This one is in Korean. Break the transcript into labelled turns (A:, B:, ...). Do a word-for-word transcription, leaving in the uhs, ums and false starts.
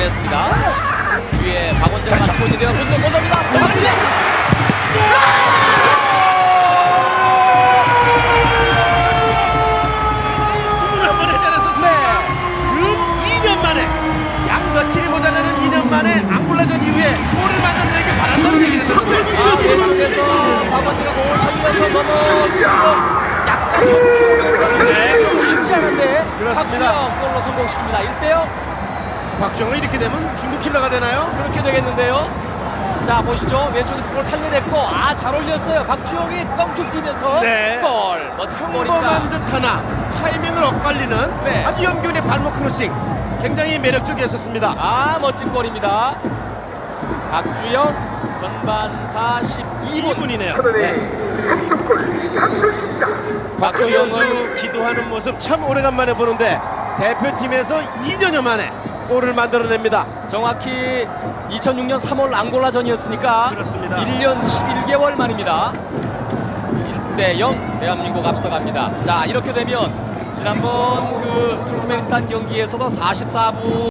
A: 잡아냈습니다. 뒤에 박원재가 맞추고 있는데요. 문도 못 넣습니다. 박원재!
B: 주문을 한번 해전했었습니다. 근 이 년 만에 양 며칠이 모자라는 이 년 만에 앙골라전 이후에 골을 만들어내길 바란다는 얘기를 했었는데
A: 아, 왼쪽에서 박원재가 공을 살려서 넘어 약간 높이오면서 사실 쉽지 않은데
B: 그렇습니다.
A: 박주영 골로 성공시킵니다. 일 대 영.
B: 박정은 이렇게 되면 중국 킬러가 되나요?
A: 그렇게 되겠는데요. 자, 보시죠. 왼쪽에서 볼 살려냈고, 아, 잘 올렸어요. 박주영이 껑충 뛰면서
B: 네.
A: 골. 멋진 골입니다.
B: 평범한 듯하나 타이밍을 엇갈리는
A: 네.
B: 아주 염균의 발목 크로싱, 굉장히 매력적이었었습니다.
A: 아, 멋진 골입니다. 박주영 전반 사십이 분.
B: 이 분이네요. 박주영
A: 박주영은
B: 선수 기도하는 모습 참 오래간만에 보는데 대표팀에서 이 년여 만에 골을 만들어냅니다.
A: 정확히 이천육 년 삼월 앙골라전이었으니까
B: 그렇습니다.
A: 일 년 십일 개월 만입니다. 일 대 영 대한민국 앞서갑니다. 자, 이렇게 되면 지난번 그 투르크메니스탄 경기에서도 사십사 분